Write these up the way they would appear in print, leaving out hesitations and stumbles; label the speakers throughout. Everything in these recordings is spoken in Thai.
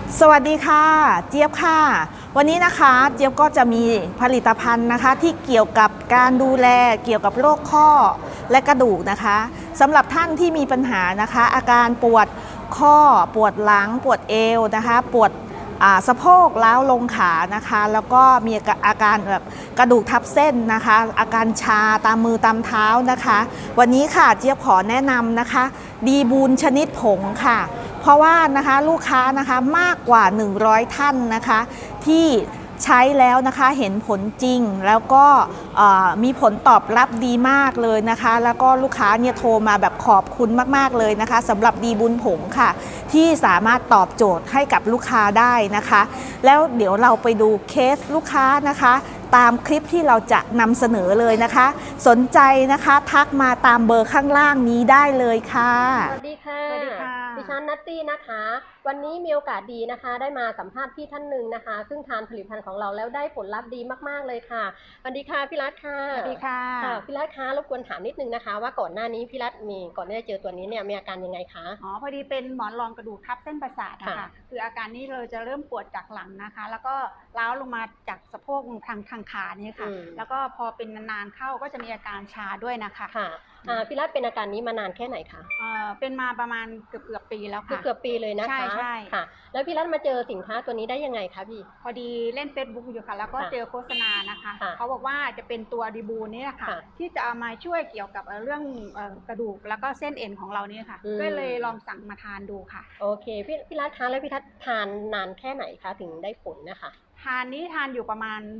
Speaker 1: สวัสดีค่ะเจี๊ยบค่ะวันนี้นะคะเจี๊ยบก็จะมีผลิตภัณฑ์นะคะที่เกี่ยวกับการดูแลเกี่ยวกับโรคข้อและกระดูกนะคะสำหรับท่านที่มีปัญหานะคะอาการปวดข้อปวดหลังปวดเอวนะคะปวดสะโพกล้าวลงขานะคะแล้วก็มีอาการแบบกระดูกทับเส้นนะคะอาการชาตามมือตามเท้านะคะวันนี้ค่ะเจี๊ยบขอแนะนำนะคะดีบูนชนิดผงค่ะเพราะว่านะคะลูกค้านะคะมากกว่า100ท่านนะคะที่ใช้แล้วนะคะเห็นผลจริงแล้วก็มีผลตอบรับดีมากเลยนะคะแล้วก็ลูกค้าเนี่ยโทรมาแบบขอบคุณมากๆเลยนะคะสำหรับดีบุญผงค่ะที่สามารถตอบโจทย์ให้กับลูกค้าได้นะคะแล้วเดี๋ยวเราไปดูเคสลูกค้านะคะตามคลิปที่เราจะนำเสนอเลยนะคะสนใจนะคะทักมาตามเบอร์ข้างล่างนี้ได้เลยค่ะ
Speaker 2: สวัสดีค่ะ
Speaker 1: สวัสดีค่ะ
Speaker 2: ดิฉันนัตตี้นะคะวันนี้มีโอกาสดีนะคะได้มาสัมภาษณ์พี่ท่านหนึ่งนะคะซึ่งทานผลิตภัณฑ์ของเราแล้วได้ผลลัพธ์ดีมากๆเลยค่ะสวัสดีค่ะพี่รัตค่ะ
Speaker 1: สวัสดีค่ะ
Speaker 2: พี่รัตคะรบกวนถามนิดนึงนะคะว่าก่อนหน้านี้พี่รัตก่อนที่จะเจอตัวนี้เนี่ยมีอาการยังไงคะ
Speaker 3: พอดีเป็นหมอนรองกระดูกทับเส้นประสาทนะคะคืออาการนี้เราจะเริ่มปวดจากหลังนะคะแล้วก็ล้าวลงมาจากสะโพกทางขานี่ค่ะแล้วก็พอเป็นนานๆเข้าก็จะมีอาการชาด้วยนะคะ
Speaker 2: ค่ะพี่รัตเป็นอาการนี้มานานแค่ไหนคะ
Speaker 3: เป็นมาประมาณเกือบปีแล้วค่ะ
Speaker 2: เกือบปีเลยนะคะ
Speaker 3: ใช่
Speaker 2: ค่ะแล้วพี่รัตมาเจอสินค้าตัวนี้ได้ยังไงคะพี่
Speaker 3: พอดีเล่น Facebook อยู่ค่ะแล้วก็เจอโฆษณานะคะเขาบอกว่าจะเป็นตัวดีบูนี่แหละค่ะที่จะเอามาช่วยเกี่ยวกับเรื่องกระดูกแล้วก็เส้นเอ็นของเรานี่ค่ะก็เลยลองสั่งมาทานดูค่ะ
Speaker 2: โอเคพี่รัตคะแล้วพี่รัตทานนานแค่ไหนคะถึงได้ผลนะคะ
Speaker 3: ทานอยู่ประมาณ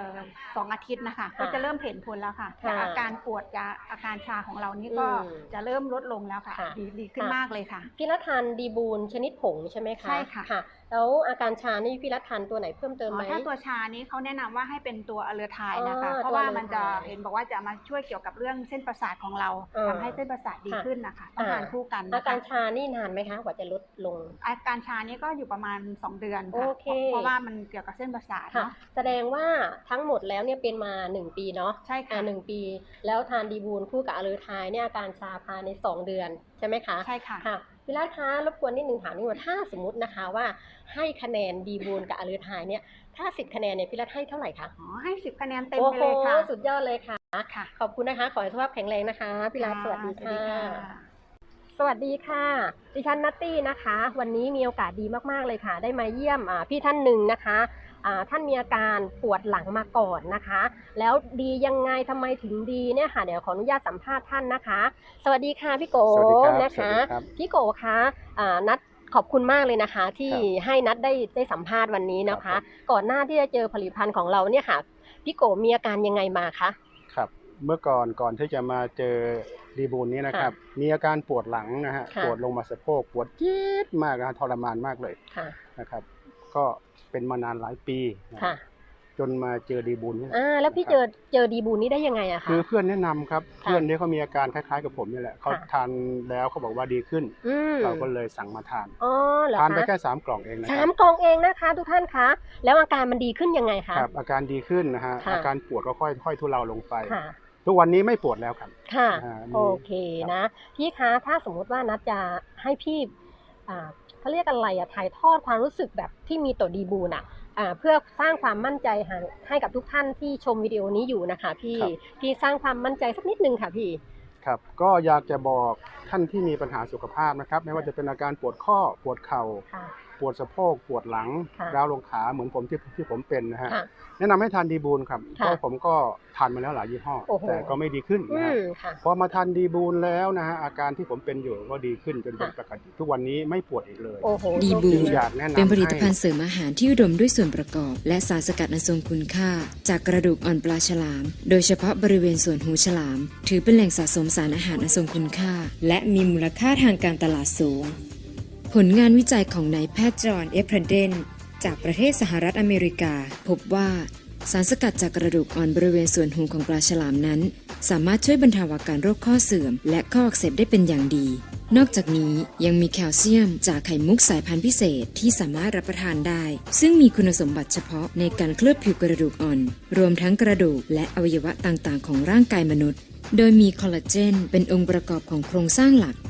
Speaker 3: 2 อาทิตย์นะคะก็จะเริ่มเห็นผลแล้วค่ะแต่อาการปวดกับอาการชาของเรานี่ก็จะเริ่มลดลงแล้วค่ะดีขึ้นมากเลยค่ะ
Speaker 2: พี่รัตทานดีบูนชนิดผงใช่ไหมคะ
Speaker 3: ใช่ค่ะ
Speaker 2: แล้วอาการชานี่พี่รัตทานตัวไหนเพิ่มเติมไหม
Speaker 3: ถ้าตัวชานี้เขาแนะนำว่าให้เป็นตัวอะเลอไทน์นะคะเพราะว่ามันจะเห็นบอกว่าจะมาช่วยเกี่ยวกับเรื่องเส้นประสาทของเราทำให้เส้นประสาทดีขึ้นนะคะต้องทานคู่กัน
Speaker 2: อาการชานี่นานไหมคะกว่าจะลดลง
Speaker 3: อาการชานี้ก็อยู่ประมาณ2 เดือนค่ะเพราะว่ามันเกี่ยวกับเส้นประสาทเนาะ
Speaker 2: แสดงว่าทั้งหมดแล้วเนี่ยเป็นมา1 ปีเนาะ
Speaker 3: ใช่ค่ะ
Speaker 2: 1 ปีแล้วทานดีบูนคู่กับอะเลอไทน์เนี่ยอาการชาภายใน2 เดือนใช่ไหมคะ
Speaker 3: ใช่ค่ะ
Speaker 2: พี่รัตคะรบกวนนิดนึงถามนิดว่าถ้าสมมตินะคะว่าให้คะแนนดีบูนกับอะเลอไทน์เนี่ยถ้า10 คะแนนเนี่ยพี่รัตให้เท่าไหร่คะ
Speaker 3: ให้10 คะแนนเต็มไปเลยค่ะ
Speaker 2: สุดยอดเลยค่ะขอบคุณนะคะขอให้สุขภาพแข็งแรงนะคะพี่รัตสวัสดีค่ะสวัสดีค่ะดิฉันนัตตี้นะคะวันนี้มีโอกาสดีมากๆเลยค่ะได้มาเยี่ยมพี่ท่านหนึ่งนะคะท่านมีอาการปวดหลังมาก่อนนะคะแล้วดียังไงทำไมถึงดีเนี่ยค่ะเดี๋ยวขออนุญาตสัมภาษณ์ท่านนะคะสวัสดีค่ะพี่โกนะคะพี่โกคะนัดขอบคุณมากเลยนะคะที่ให้นัดได้สัมภาษณ์วันนี้นะคะก่อนหน้าที่จะเจอผลิตภัณฑ์ของเราเนี่ยค่ะพี่โกมีอาการยังไงมาคะ
Speaker 4: ครับเมื่อก่อนที่จะมาเจอดีบูนนี้นะครับมีอาการปวดหลังนะฮะปวดลงมาสะโพกปวดจี๊ดมากนะทรมานมากเลยนะครับก็เป็นมานานหลายปีจนมาเจอดีบูนนี่
Speaker 2: แล้วพี่เจอดีบูนนี้ได้ยังไงอะคะ
Speaker 4: คือเพื่อนแนะนำครับเพื่อนนี้เขามีอาการคล้ายๆกับผมนี่แหละเขาทานแล้วเขาบอกว่าดีขึ้นเราก็เลยสั่งมาทานทานไปแค่3 กล่องเองนะ
Speaker 2: 3 กล่องเองนะคะทุกท่านคะแล้วอาการมันดีขึ้นยังไงคะ
Speaker 4: ครับอาการดีขึ้นนะฮะอาการปวดก็ค่อยทุเลาลงไปทุกวันนี้ไม่ปวดแล้วครับ
Speaker 2: ค่ะโอเคนะพี่คะถ้าสมมุติว่านัดจะให้พี่เขาเรียกอะไรถ่ายทอดความรู้สึกแบบที่มีต่อดีบูนเพื่อสร้างความมั่นใจให้กับทุกท่านที่ชมวิดีโอนี้อยู่นะคะพี่สร้างความมั่นใจสักนิดนึงค่ะพี่
Speaker 4: ครับก็อยากจะบอกท่านที่มีปัญหาสุขภาพนะครับไม่ว่าจะเป็นอาการปวดข้อปวดเข่าปวดสะโพกปวดหลังร้าวลงขาเหมือนผมที่ผมเป็นนะฮะแนะนำให้ทานดีบูนครับเพราะผมก็ทานมาแล้วหลายยี่ห้อแต่ก็ไม่ดีขึ้นนะฮะพอมาทานดีบูนแล้วนะฮะอาการที่ผมเป็นอยู่ก็ดีขึ้นจนเป็นปกติทุกวันนี้ไม่ปวดอีกเลย
Speaker 5: ดีบูนเป็นผลิตภัณฑ์เสริมอาหารที่อุดมด้วยส่วนประกอบและสารสกัดอันทรงคุณค่าจากกระดูกอ่อนปลาฉลามโดยเฉพาะบริเวณส่วนหูฉลามถือเป็นแหล่งสะสมสารอาหารอันทรงคุณค่าและมีมูลค่าทางการตลาดสูงผลงานวิจัยของนายแพทย์จอห์น เอฟเพรเดนจากประเทศสหรัฐอเมริกาพบว่าสารสกัดจากกระดูกอ่อนบริเวณส่วนหูของปลาฉลามนั้นสามารถช่วยบรรเทาอาการโรคข้อเสื่อมและข้ออักเสบได้เป็นอย่างดีนอกจากนี้ยังมีแคลเซียมจากไข่มุกสายพันธุ์พิเศษที่สามารถรับประทานได้ซึ่งมีคุณสมบัติเฉพาะในการเคลือบผิวกระดูกอ่อนรวมทั้งกระดูกและอวัยวะต่างๆของร่างกายมนุษย์โดยมีคอลลาเจนเป็นองค์ประกอบของโครงสร้างหลัก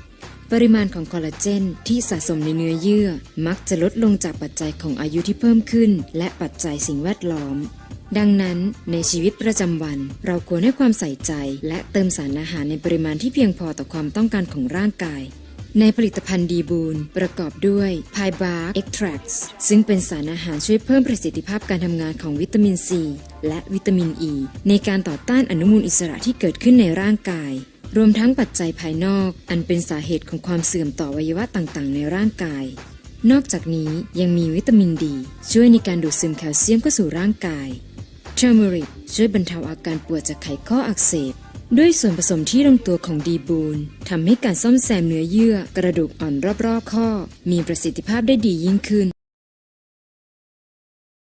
Speaker 5: ปริมาณของคอลลาเจนที่สะสมในเนื้อเยื่อมักจะลดลงจากปัจจัยของอายุที่เพิ่มขึ้นและปัจจัยสิ่งแวดล้อมดังนั้นในชีวิตประจำวันเราควรให้ความใส่ใจและเติมสารอาหารในปริมาณที่เพียงพอต่อความต้องการของร่างกายในผลิตภัณฑ์ดีบูนประกอบด้วย Pie Bark Extracts ซึ่งเป็นสารอาหารช่วยเพิ่มประสิทธิภาพการทำงานของวิตามินซีและวิตามินอ e ีในการต่อต้านอนุมูลอิสระที่เกิดขึ้นในร่างกายรวมทั้งปัจจัยภายนอกอันเป็นสาเหตุของความเสื่อมต่ออวัยวะต่างๆในร่างกายนอกจากนี้ยังมีวิตามินดีช่วยในการดูดซึมแคลเซียมเข้าสู่ร่างกายTurmeric ช่วยบรรเทาอาการปวดจากไขข้ออักเสบด้วยส่วนผสมที่ลงตัวของดีบูนทำให้การซ่อมแซมเนื้อเยื่อกระดูกอ่อนรอบๆข้อมีประสิทธิภาพได้ดียิ่งขึ้น